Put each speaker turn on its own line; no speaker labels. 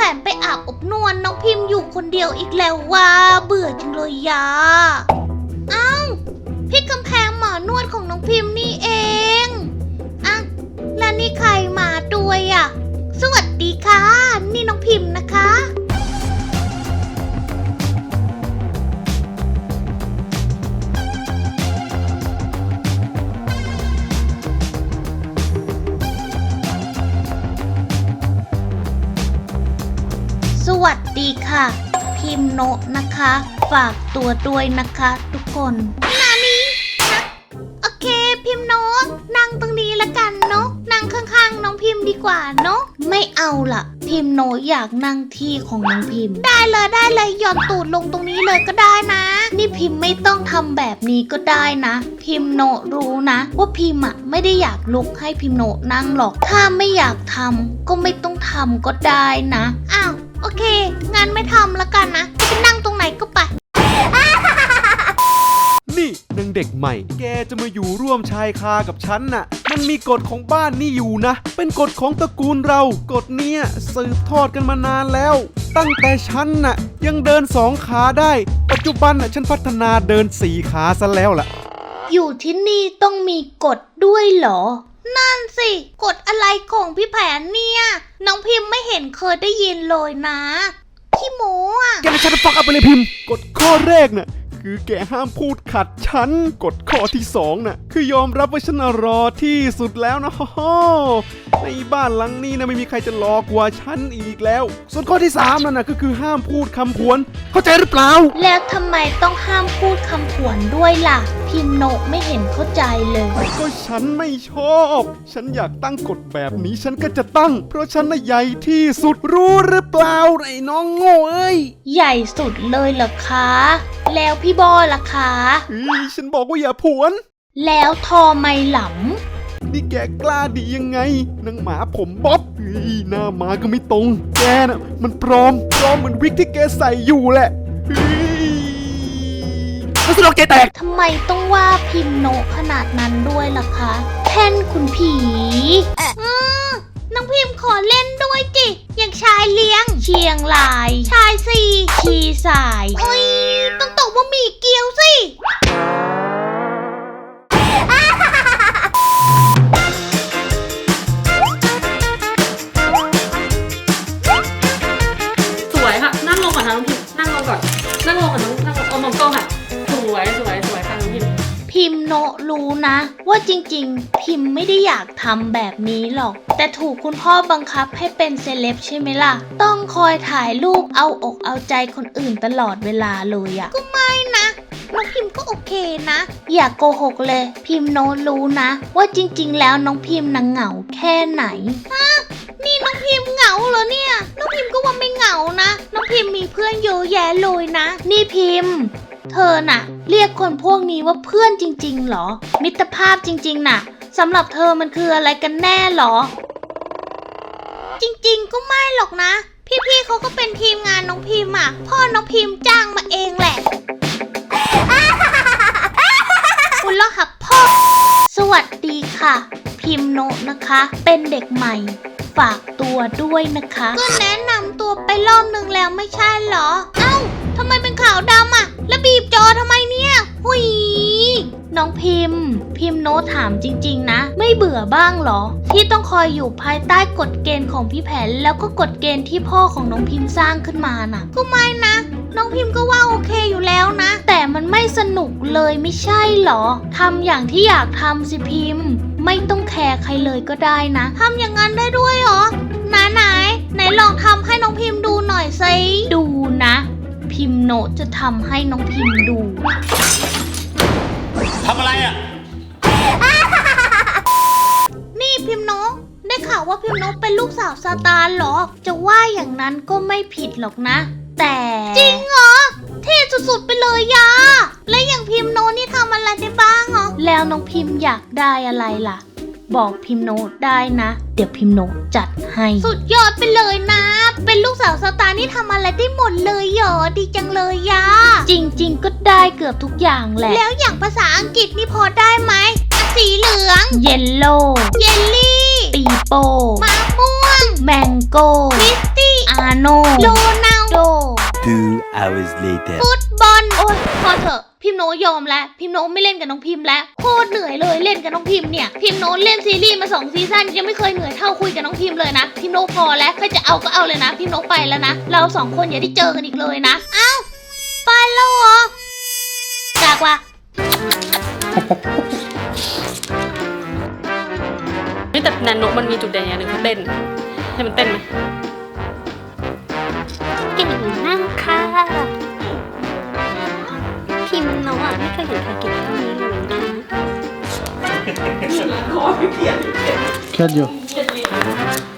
นไปอาบอบนวลน้องพิมพ์อยู่คนเดียวอีกแล้วว่าเบื่อจังเลยยาอ้าวพี่กำแพงหมอนวดของน้องพิมพ์นี่เองอ่ะแล้วนี่ใครมาด้วยอ่ะสวัสดีค่ะนี่น้องพิมพ์นะคะสวัสดีค่ะพิมพ์โนะนะคะฝากตัวด้วยนะคะทุกคนนานี้นะโอเคพิมพ์โนะนั่งตรงนี้ละกันเนาะนั่งข้างๆน้องพิมพ์ดีกว่าเนาะไม่เอาล่ะพิมพ์โนะอยากนั่งที่ของน้องพิมพ์ได้เลยหย่อนตูดลงตรงนี้เลยก็ได้นะนี่พิมพ์ไม่ต้องทำแบบนี้ก็ได้นะพิมพ์โนะรู้นะว่าพิมพ์อะไม่ได้อยากลุกให้พิมพ์โนะนั่งหรอกถ้าไม่อยากทำก็ไม่ต้องทำก็ได้นะอ้าวโอเคงั้นไม่ทำละกันนะจะนั่งตรงไหนก็ไป
นี่นางเด็กใหม่แกจะมาอยู่ร่วมชายคากับฉันน่ะมันมีกฎของบ้านนี่อยู่นะเป็นกฎของตระกูลเรากฎเนี้ยสืบทอดกันมานานแล้วตั้งแต่ฉันน่ะยังเดิน2 ขาได้ปัจจุบันน่ะฉันพัฒนาเดิน4 ขาซะแล้วล่ะ
อยู่ที่นี่ต้องมีกฎด้วยเหรอนั่นสิกฎอะไรของพี่แผนเนี่ยน้องพิมพ์ไม่เห็นเคยได้ยินเลยนะพี่โมอ่ะ
แกจะฟังเอาไปเลยพิมพ์กฎข้อแรกน่ะคือแกห้ามพูดขัดฉันกฎข้อที่2น่ะคือยอมรับว่าฉันรอที่สุดแล้วนะในบ้านหลังนี้นะไม่มีใครจะรอกว่าฉันอีกแล้วส่วนข้อที่3นั่นน่ะก็คือห้ามพูดคำผวนเข้าใจหรือเปล่า
แล้วทำไมต้องห้ามพูดคำผวนด้วยล่ะพิมพ์โนะไม่เห็นเข้าใจเลย
ก็ฉันไม่ชอบฉันอยากตั้งกฎแบบนี้ฉันก็จะตั้งเพราะฉันน่ะใหญ่ที่สุดรู้หรือเปล่าไอ้น้องโง่เอ้ย
ใหญ่สุดเลยเหรอคะแล้วพี่บอล่ะคะ
ฉันบอกว่าอย่าผวน
แล้วทอไมหล
ำนี่แกกล้าดียังไงนางหมาผมบ๊อบหน้าหมาก็ไม่ตรงแกน่ะมันปลอมเหมือนวิกที่แกใส่อยู่แหละแล้วสนุกใจแตก
ทำไมต้องว่าพิมพ์โนะขนาดนั้นด้วยล่ะคะแท่นคุณผีน้องพิมพ์ขอเล่นด้วยจิอย่างชายเลี้ยงเชียงรายชายสี่ชีสายโอ้ยต้องตกว่ามีเกี๊ยวสิ
สวยค่ะนั่งลงก่อนนะน้องพิมพ์นั่งลงก่อนนั่งลงก่อนนั่งลงเอามองกล้องค่ะสวยค่ะน้องพิมพ์
พิมพ์โนะรู้นะว่าจริงๆพิมพ์ไม่ได้อยากทำแบบนี้หรอกแต่ถูกคุณพ่อบังคับให้เป็นเซเลบใช่ไหมล่ะต้องคอยถ่ายรูปเอาอกเอาใจคนอื่นตลอดเวลาเลยอะก็ไม่นะน้องพิมพ์ก็โอเคนะอย่าโกหกเลยพิมพ์โนะรู้นะว่าจริงๆแล้วน้องพิมพ์น่ะเหงาแค่ไหนนี่น้องพิมพ์เหงาเหรอเนี่ยน้องพิมพ์ก็ว่าไม่เหงานะน้องพิมพ์มีเพื่อนเยอะแยะเลยนะนี่พิมพ์เธอน่ะเรียกคนพวกนี้ว่าเพื่อนจริงๆหรอมิตรภาพจริงๆน่ะสำหรับเธอมันคืออะไรกันแน่หรอจริงๆก็ไม่หรอกนะพี่ๆเขาก็เป็นทีมงานน้องพิมพ์อ่ะพ่อน้องพิมพ์จ้างมาเองแหละคุณล่ะค่ะพ่อสวัสดีค่ะพิมพ์โนะนะคะเป็นเด็กใหม่ฝากตัวด้วยนะคะก็แนะนำตัวไปรอบนึงแล้วไม่ใช่เหรอเอ้าทำไมเป็นขาวดำอ่ะแล้วบีบจอทำไมเนี่ยหุยน้องพิมพ์โน้ตถามจริงๆนะไม่เบื่อบ้างเหรอที่ต้องคอยอยู่ภายใต้กฎเกณฑ์ของพี่แผนแล้วก็กฎเกณฑ์ที่พ่อของน้องพิมพ์สร้างขึ้นมาน่ะก็ไม่นะน้องพิมพ์ก็ว่าโอเคอยู่แล้วนะแต่มันไม่สนุกเลยไม่ใช่เหรอทำอย่างที่อยากทำสิพิมพ์ไม่ต้องแคร์ใครเลยก็ได้นะทำอย่างนั้นได้ด้วยเหรอไหนลองทำให้น้องพิมพ์ดูหน่อยสิดูนะพิมพ์โนะจะทำให้น้องพิมพ์ดู
ทำอะไรอ่ะ
นี่พิมพ์โนะได้ข่าวว่าพิมพ์โนะเป็นลูกสาวซาตานเหรอจะว่าอย่างนั้นก็ไม่ผิดหรอกนะแต่จริงเหรอเท่สุดๆไปเลยยาและอย่างพิมพ์โนะนี่ทำอะไรได้บ้างเหรอแล้วน้องพิมพ์อยากได้อะไรล่ะบอกพิมพ์โนะได้นะเดี๋ยวพิมพ์โนะจัดให้สุดยอดไปเลยนะเป็นลูกสาวซาตานนี่ทำอะไรได้หมดเลยเหรอดีจังเลยยาจริงๆก็ได้เกือบทุกอย่างแหละแล้วอย่างภาษาอังกฤษนี่พอได้ไหมสีเหลืองเยลโล่เยลลี่ปีโป้มะม่วงแมงโก้คริสตี้ไอโนโรนัลโด
2 hours later.
ฟุตบอล โอ้ยพอเถอะพิมโนยอมแล้วพิมโนไม่เล่นกับน้องพิมแล้วโคตรเหนื่อยเลยเล่นกับน้องพิมเนี่ยพิมโนเล่นซีรีส์มา2 ซีซั่นยังไม่เคยเหนื่อยเท่าคุยกับน้องพิมเลยนะพิมโนพอแล้วใครจะเอาก็เอาเลยนะพิมโนไปแล้วนะเรา2 คนอย่าได้เจอกันอีกเลยนะเอ้าไปแล้วเหรอกากว่า
นี่แต่นันโนมันมีจุดเด่นอย่างหนึ่งคือเต้นให้มันเต้นไหม
เก่งมากค่ะ พิมพ์น้องอ่ะไม่เคยเห็นใครเก่งเท่านี้เลยค่ะ
เครียดอยู่